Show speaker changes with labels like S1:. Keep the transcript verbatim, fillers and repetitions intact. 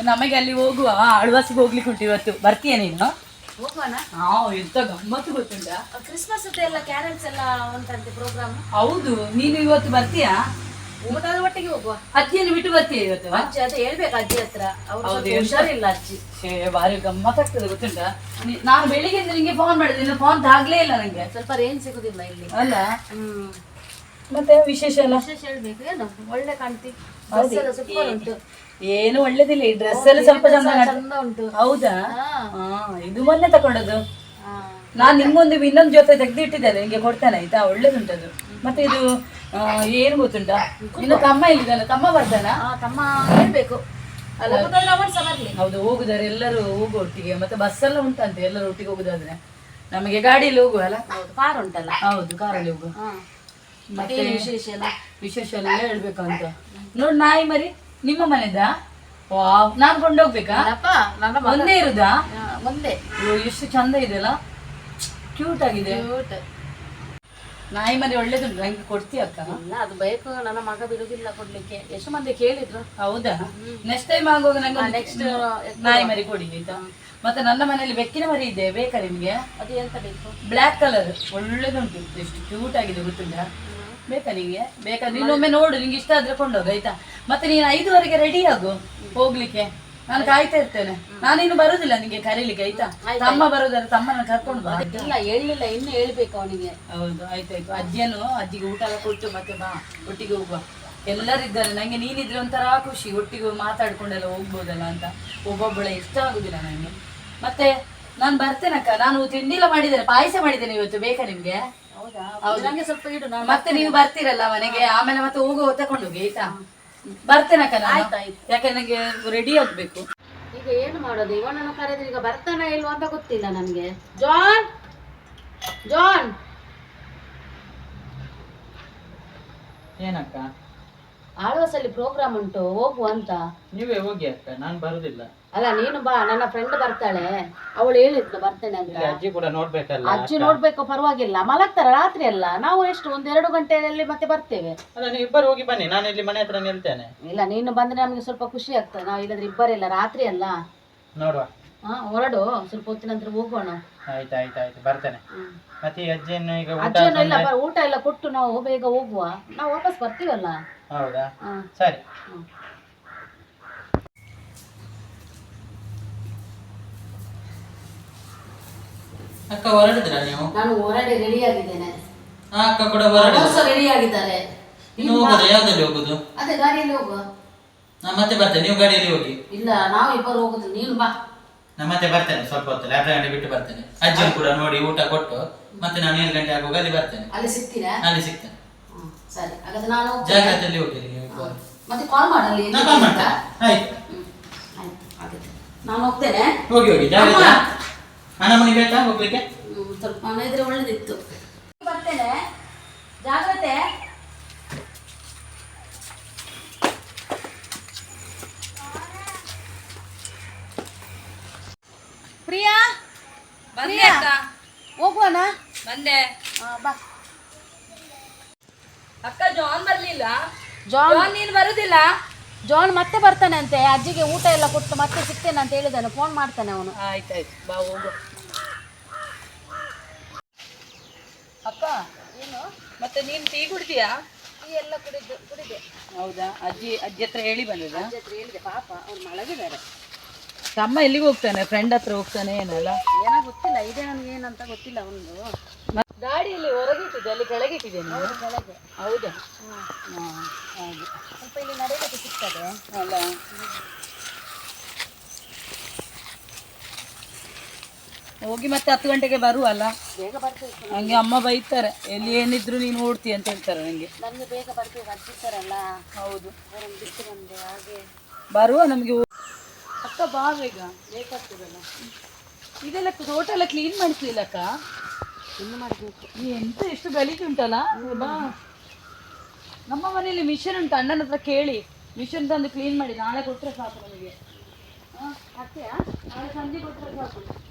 S1: ನಮಗೆ ಅಲ್ಲಿ ಹೋಗುವ ಆಳ್ವಾಸಿಗೆ ಹೋಗ್ಲಿಕ್ಕೆ ಉಂಟು ಇವತ್ತು. ಬರ್ತೀಯ ನೀನು?
S2: ಹೋಗೋಣ.
S1: ಹಾ, ಎಂತ ಗಮ್ಮತ್ತು ಗೊತ್ತುಂಟ.
S2: ಕ್ರಿಸ್ಮಸ್ ಎಲ್ಲ ಕ್ಯಾರಲ್ಸ್ ಎಲ್ಲ ಉಂಟಂತೆ ಪ್ರೋಗ್ರಾಮ್.
S1: ಹೌದು, ನೀನು ಇವತ್ತು ಬರ್ತೀಯಾ?
S2: ಊಟದ ಒಟ್ಟಿಗೆ ಹೋಗುವ.
S1: ಅಜ್ಜಿಯನ್ನು ಬಿಟ್ಟು ಬರ್ತೀಯ ಇವತ್ತು?
S2: ಅಜ್ಜಿ ಅದೇ ಹೇಳ್ಬೇಕು ಅಜ್ಜಿ ಹತ್ರ, ಅವ್ರು ಹುಷಾರಿಲ್ಲ ಅಜ್ಜಿ.
S1: ಬಾರಿ ಗಮ್ಮತ್ತಾಗ್ತದೆ ಗೊತ್ತುಂಟ. ನಾನು ಬೆಳಿಗ್ಗೆ ನಿಂಗೆ ಫೋನ್ ಮಾಡಿದೆ, ನೀನು ಫೋನ್ ತಾಗ್ಲೇ ಇಲ್ಲ ನಂಗೆ.
S2: ಸ್ವಲ್ಪ ರೇಂಜ್ ಸಿಗುದಿಲ್ಲ ಇಲ್ಲಿ
S1: ಅಲ್ಲ.
S2: ಹ್ಮ್.
S1: ಮತ್ತೆ ವಿಶೇಷ ಎಲ್ಲ?
S2: ವಿಶೇಷ ಹೇಳ್ಬೇಕು. ಏನು ಒಳ್ಳೆ ಕಾಣ್ತಿ, ಸೂಪರ್ ಉಂಟು.
S1: ಏನು ಒಳ್ಳೇದಿಲ್ಲ, ಈ ಡ್ರೆಸ್ ಎಲ್ಲ ಸ್ವಲ್ಪ ಚಂದ
S2: ಉಂಟು.
S1: ಹೌದಾ? ಹಾ, ಇದು ಮೊನ್ನೆ ತಕೊಂಡದ್ದು. ನಾನ್ ನಿಮ್ಗೊಂದು ಇನ್ನೊಂದು ಜೊತೆ ತೆಗ್ದಿಟ್ಟಿದ್ದೇನೆ, ನಿಂಗೆ ಕೊಡ್ತೇನೆ ಆಯ್ತಾ? ಒಳ್ಳೇದುಂಟದು. ಮತ್ತೆ ಇದು ಏನು ಗೊತ್ತುಂಟ, ಇನ್ನು ತಮ್ಮ ಇಲ್ಲಿದ್ದಾನೆ, ತಮ್ಮ ಬರ್ತಾನ?
S2: ತಮ್ಮ ಹೇಳ್ಬೇಕು ಅಲ್ಲ.
S1: ಹೌದು, ಹೋಗುದಾರೆ ಎಲ್ಲರೂ ಹೋಗು ಒಟ್ಟಿಗೆ. ಮತ್ತೆ ಬಸ್ ಎಲ್ಲ ಉಂಟಂತೆ, ಎಲ್ಲರೂ ಒಟ್ಟಿಗೆ ಹೋಗುದಾದ್ರೆ. ನಮಗೆ ಗಾಡಿಯಲ್ಲಿ ಹೋಗುವ ಅಲ್ಲ?
S2: ಕಾರ್ ಉಂಟಲ್ಲ?
S1: ಹೌದು, ಕಾರಲ್ಲಿ ಹೋಗುವ.
S2: ಮತ್ತೆ ವಿಶೇಷ ಎಲ್ಲ
S1: ವಿಶೇಷ ಎಲ್ಲ ಹೇಳ್ಬೇಕು ಅಂತ ನೋಡ್. ನಾಯಿ ಮರಿ ನಿಮ್ಮ ಮನೆದ? ವಾವ್, ನಾನ್ ಕೊಂಡೋಗ್ಬೇಕಾ? ಒಂದೇ ಇರುದಾ?
S2: ಒಂದೇ.
S1: ಎಷ್ಟು ಚಂದ ಇದೆ ಅಲ್ಲ, ಕ್ಯೂಟ್ ಆಗಿದೆ. ನಾಯಿ ಮರಿ ಒಳ್ಳೇದುಂಟು, ನಂಗೆ ಕೊಡ್ತೀಯ ಅಕ್ಕ?
S2: ಇಲ್ಲ, ಅದು ಬೇಕು, ನನ್ನ ಮಗ ಬಿಡುದಿಲ್ಲ ಕೊಡ್ಲಿಕ್ಕೆ. ಎಷ್ಟು ಮಂದಿ ಕೇಳಿದ್ರು.
S1: ಹೌದಾ? ನೆಕ್ಸ್ಟ್ ಟೈಮ್ ಆಗುವಾಗ ನಂಗೆ ನೆಕ್ಸ್ಟ್ ನಾಯಿ ಮರಿ ಕೊಡಿ ಆಯ್ತಾ? ಮತ್ತೆ ನನ್ನ ಮನೆಯಲ್ಲಿ ಬೆಕ್ಕಿನ ಮರಿ ಇದೆ, ಬೇಕಾ ನಿಮ್ಗೆ?
S2: ಅದು ಎಂತ ಬೇಕು?
S1: ಬ್ಲ್ಯಾಕ್ ಕಲರ್ ಒಳ್ಳೇದುಂಟು, ಎಷ್ಟು ಕ್ಯೂಟ್ ಆಗಿದೆ ಗೊತ್ತುಂಟಾ? ಬೇಕಾ ನಿಂಗೆ? ಬೇಕಾ? ನೀನೊಮ್ಮೆ ನೋಡು, ನಿಂಗೆ ಇಷ್ಟ ಆದ್ರೆ ಕೊಂಡೋಗ ಆಯ್ತಾ? ಮತ್ತೆ ನೀನು ಐದುವರೆಗೆ ರೆಡಿ ಆಗು ಹೋಗ್ಲಿಕ್ಕೆ, ನಾನು ಕಾಯ್ತಾ ಇರ್ತೇನೆ. ನಾನಿನ್ನು ಬರುದಿಲ್ಲ ನಿಂಗೆ ಕರೀಲಿಕ್ಕೆ ಆಯ್ತಾ? ತಮ್ಮ ಬರೋದಾದ್ರೆ ತಮ್ಮನ ಕರ್ಕೊಂಡು ಬಾ.
S2: ಇಲ್ಲ, ಹೇಳಿಲ್ಲ, ಇನ್ನು ಹೇಳ್ಬೇಕು ಅವನಿಗೆ.
S1: ಹೌದು, ಆಯ್ತಾಯ್ತು. ಅಜ್ಜಿಯನ್ನು ಅಜ್ಜಿಗೆ ಊಟ ಎಲ್ಲ ಕೊಟ್ಟು ಮತ್ತೆ ಬಾ, ಒಟ್ಟಿಗೆ ಹೋಗುವ. ಎಲ್ಲರಿದ್ದಾರೆ, ನಂಗೆ ನೀನಿದ್ರೆ ಒಂಥರ ಖುಷಿ, ಒಟ್ಟಿಗೆ ಮಾತಾಡ್ಕೊಂಡೆಲ್ಲ ಹೋಗ್ಬೋದಲ್ಲ ಅಂತ. ಒಬ್ಬೊಬ್ಬಳೆ ಇಷ್ಟ ಆಗುದಿಲ್ಲ ನಂಗೆ. ಮತ್ತೆ ನಾನು ಬರ್ತೇನಕ್ಕ, ನಾನು ತಿಂಡಿಲ್ಲ ಮಾಡಿದ್ದೇನೆ, ಪಾಯಸ ಮಾಡಿದ್ದೇನೆ ಇವತ್ತು, ಬೇಕಾ ನಿಮ್ಗೆ?
S2: ನಂಗೆ ಸ್ವಲ್ಪ ಇಡು.
S1: ಮತ್ತೆ ನೀವು ಬರ್ತೀರಲ್ಲ ಮನೆಗೆ, ಆಮೇಲೆ ಮತ್ತೆ ಹೋಗುವ ತಕೊಂಡೋಗಿ ಆಯ್ತಾ? ಬರ್ತೇನಕ್ಕ ನಾನು, ಯಾಕೆ ನಂಗೆ ರೆಡಿ ಆಗ್ಬೇಕು.
S2: ಈಗ ಏನು ಮಾಡೋದು? ಇವನನ್ನು ಕರೆದ್ರೆ ಈಗ ಬರ್ತಾನೆ ಇಲ್ವಾ ಅಂತ ಗೊತ್ತಿಲ್ಲ ನನ್ಗೆ. John, John.
S3: ಏನಕ್ಕ?
S2: ಆಳ್ವಾಸಲ್ಲಿ ಪ್ರೋಗ್ರಾಮ್ ಉಂಟು, ಹೋಗುವ ಅಂತ.
S3: ನೀವೇ ಹೋಗಿ ಅಕ್ಕ, ನಾನು ಬರುದಿಲ್ಲ.
S2: ಅಲ್ಲ, ನೀನು ಬಾ, ನನ್ನ ಫ್ರೆಂಡ್ ಬರ್ತಾಳೆ, ಅವಳು ಹೇಳಿದ್ಲು ಬರ್ತೇನೆ ಅಂತ.
S3: ಅಜ್ಜಿ ಕೂಡ ನೋಡ್ಬೇಕಲ್ಲ.
S2: ಅಜ್ಜಿ ನೋಡ್ಬೇಕು, ಪರವಾಗಿಲ್ಲ, ಮಲಗ್ತಾರ ರಾತ್ರಿ ಅಲ್ಲ. ನಾವು ಎಷ್ಟು ಒಂದ್ ಎರಡು ಗಂಟೆಯಲ್ಲಿ ಮತ್ತೆ ಬರ್ತೇವೆ.
S3: ಅಲ್ಲ, ನೀವು ಇಬ್ಬರು ಹೋಗಿ ಬನ್ನಿ, ನಾನು ಇಲ್ಲಿ ಮನೆ ಹತ್ರ ನಿಲ್ತೇನೆ.
S2: ಇಲ್ಲ, ನೀನು ಬಂದ್ರೆ ನಮ್ಗೆ ಸ್ವಲ್ಪ ಖುಷಿ ಆಗ್ತದೆ. ನಾವು ಇಲ್ಲದ್ರೆ ಇಬ್ಬರಿಲ್ಲ, ರಾತ್ರಿ ಅಲ್ಲ.
S3: ನೋಡುವ.
S2: ಹಾ, ಹೊರಡು, ಸ್ವಲ್ಪ ಹೊತ್ತಿನ ನಂತರ ಹೋಗೋಣ.
S3: ಆಯ್ತು ಆಯ್ತು ಆಯ್ತು, ಬರ್ತೇನೆ. ಮತ್ತೆ ಅಜ್ಜಿಯನ್ನು ಈಗ
S2: ಅಜ್ಜಿಯನ್ನು ಇಲ್ಲ, ಊಟ ಎಲ್ಲ ಕೊಟ್ಟು ನಾವು ಬೇಗ ಹೋಗುವ, ನಾವು ವಾಪಸ್ ಬರ್ತೀವಲ್ಲ.
S3: ಹೌದಾ? ಸರಿ. ಅಕ್ಕ ಹೊರಡಿದ್ರ ನೀವು?
S2: ನಾನು ಹೊರಡಿ ರೆಡಿ ಆಗಿದ್ದೇನೆ.
S3: ಅಕ್ಕ ಕೂಡ ಹೊರಡಿ
S2: ರೆಡಿ ಆಗಿದ್ದಾರೆ.
S3: ಇನ್ನು ಹೋಗೋದು? ಯಾವ್ದಲ್ಲಿ ಹೋಗುದು?
S2: ಅದೇ ಗಾಡಿಯಲ್ಲಿ ಹೋಗುವ.
S3: ನಾ ಮತ್ತೆ ಬರ್ತೇನೆ, ನೀವು ಗಾಡಿಯಲ್ಲಿ ಹೋಗಿ.
S2: ಇಲ್ಲ, ನಾವು ಇಬ್ಬರು ಹೋಗುದು, ನೀನು ಬಾ.
S3: ನಾ ಮತ್ತೆ ಬರ್ತೇನೆ, ಸ್ವಲ್ಪ ಹೊತ್ತಲ್ಲಿ ಅರ್ಧ ಗಂಟೆ ಬಿಟ್ಟು ಬರ್ತೇನೆ. ಅಜ್ಜಿ ಕೂಡ ನೋಡಿ ಊಟ ಕೊಟ್ಟು ಮತ್ತೆ ನಾನು ಏಳು ಗಂಟೆ ಆಗುವಾಗ ಅಲ್ಲಿ ಬರ್ತೇನೆ.
S2: ಅಲ್ಲಿ ಸಿಗ್ತೀರಾ?
S3: ಅಲ್ಲಿ ಸಿಗ್ತೇನೆ.
S2: ಸರಿ, ಹಾಗಾದ್ರೆ ನಾನು
S3: ಜಾಗ್ರತೆಯಲ್ಲಿ ಹೋಗಿರಿ ನೀವು.
S2: ಮತ್ತೆ ಕಾಲ್ ಮಾಡಲಿ.
S3: ನಾ ಕಾಲ್ ಮಾಡ್ತಾ. ಆಯ್ತು
S2: ಆಯ್ತು, ಹಾಗಾದ್ರೆ ನಾನು ಹೋಗ್ತೇನೆ.
S3: ಹೋಗಿ ಹೋಗಿ, ಜಾಗ್ರತೆ. ಹಣ ಮನೆ ಬೇಕಾ ಹೋಗ್ಲಿಕ್ಕೆ?
S2: ಸ್ವಲ್ಪ ಹಣ ಇದ್ರೆ ಒಳ್ಳೇದಿತ್ತು. ಬರ್ತೇನೆ, ಜಾಗ್ರತೆ. ಪ್ರಿಯಾ,
S1: ಬಂದೆ ಅಕ್ಕ.
S2: ಹೋಗುವನ?
S1: ಬಂದೆ.
S2: ಬಾ.
S1: ಅಕ್ಕ, ಜಾನ್ ಬರ್ಲಿಲ್ಲ.
S2: ಜಾನ್,
S1: ಜಾನ್ ನೀನು ಬರುದಿಲ್ಲ?
S2: ಜಾನ್ ಮತ್ತೆ ಬರ್ತಾನೆ ಅಂತೆ, ಅಜ್ಜಿಗೆ ಊಟ ಎಲ್ಲ ಕೊಟ್ಟು ಮತ್ತೆ ಸಿಗ್ತೇನೆ ಅಂತ ಹೇಳಿದ್ದಾನೆ, ಫೋನ್ ಮಾಡ್ತಾನೆ ಅವನು.
S1: ಆಯ್ತಾಯ್ತು, ಬಾ ಹೋಗು. ಅಕ್ಕ, ಏನು ಮತ್ತೆ ನೀನು ಟೀ ಕುಡ್ತೀಯಾ?
S2: ಟೀ ಎಲ್ಲ ಕುಡಿದು ಕುಡಿದೆ.
S1: ಹೌದಾ? ಅಜ್ಜಿ ಅಜ್ಜಿ ಹತ್ರ ಹೇಳಿ ಬಂದದ?
S2: ಅಜ್ಜಿ ಹತ್ರ ಹೇಳಿದೆ, ಪಾಪ ಅವ್ರು ಮಲಗಿದ್ದಾರೆ.
S1: ತಮ್ಮ ಎಲ್ಲಿಗೆ ಹೋಗ್ತಾನೆ? ಫ್ರೆಂಡ್ ಹತ್ರ ಹೋಗ್ತಾನೆ ಏನಲ್ಲ?
S2: ಏನೋ ಗೊತ್ತಿಲ್ಲ, ಇದೆ ನನಗೆ ಏನಂತ ಗೊತ್ತಿಲ್ಲ ಅವನದು.
S1: ಗಾಡಿಯಲ್ಲಿ ಹೊರಗಿಟ್ಟಿದ್ದೆ, ಅಲ್ಲಿ ಕೆಳಗೆ ಇಟ್ಟಿದ್ದೇನೆ.
S2: ಕೆಳಗೆ.
S1: ಹೌದಾ?
S2: ಹಾಂ,
S1: ಹಾಗೆ
S2: ಸ್ವಲ್ಪ ಇಲ್ಲಿ ನಡೆಯಲಿಕ್ಕೆ ಸಿಗ್ತದೆ
S1: ಅಲ್ಲ? ಹೋಗಿ ಮತ್ತೆ ಹತ್ತು ಗಂಟೆಗೆ ಬರುವಲ್ಲ?
S2: ಬೇಗ ಬರ್ಬೇಕು.
S1: ನಂಗೆ ಅಮ್ಮ ಬೈತಾರೆ, ಎಲ್ಲಿ ಏನಿದ್ರು ನೀನು ಓಡ್ತಿ ಅಂತ ಹೇಳ್ತಾರೆ ನನಗೆ.
S2: ನನಗೆ ಬೇಗ ಬರ್ಬೇಕು, ಅಜ್ಜಿತಾರಲ್ಲ.
S1: ಹೌದು,
S2: ಅವರನ್ನು ಬಿಟ್ಟು ಬಂದೆ, ಹಾಗೆ
S1: ಬರುವ ನಮಗೆ. ಅಕ್ಕ ಬಾ ಬೇಗ, ಬೇಕಾಗ್ತದಲ್ಲ. ಇದೆಲ್ಲ ತೋಟ ಎಲ್ಲ ಕ್ಲೀನ್ ಮಾಡಿಸ್ಲಿಲ್ಲ ಅಕ್ಕ?
S2: ಇನ್ನು ಮಾಡಬೇಕು.
S1: ಎಂತ ಎಷ್ಟು ಗಲೀಜು ಉಂಟಲ್ಲ. ಬಾ, ನಮ್ಮ ಮನೆಯಲ್ಲಿ ಮಿಷನ್ ಉಂಟು, ಅಣ್ಣನ ಹತ್ರ ಕೇಳಿ ಮಿಷನ್ ತಂದು ಕ್ಲೀನ್ ಮಾಡಿ ನಾಳೆ ಕೊಟ್ಟರೆ ಸಾಕು ನಮಗೆ. ಹಾಂ, ಹಾಕ್ತೀಯಾ? ನಾಳೆ ಸಂಜೆ ಕೊಟ್ಟರೆ ಸಾಕು.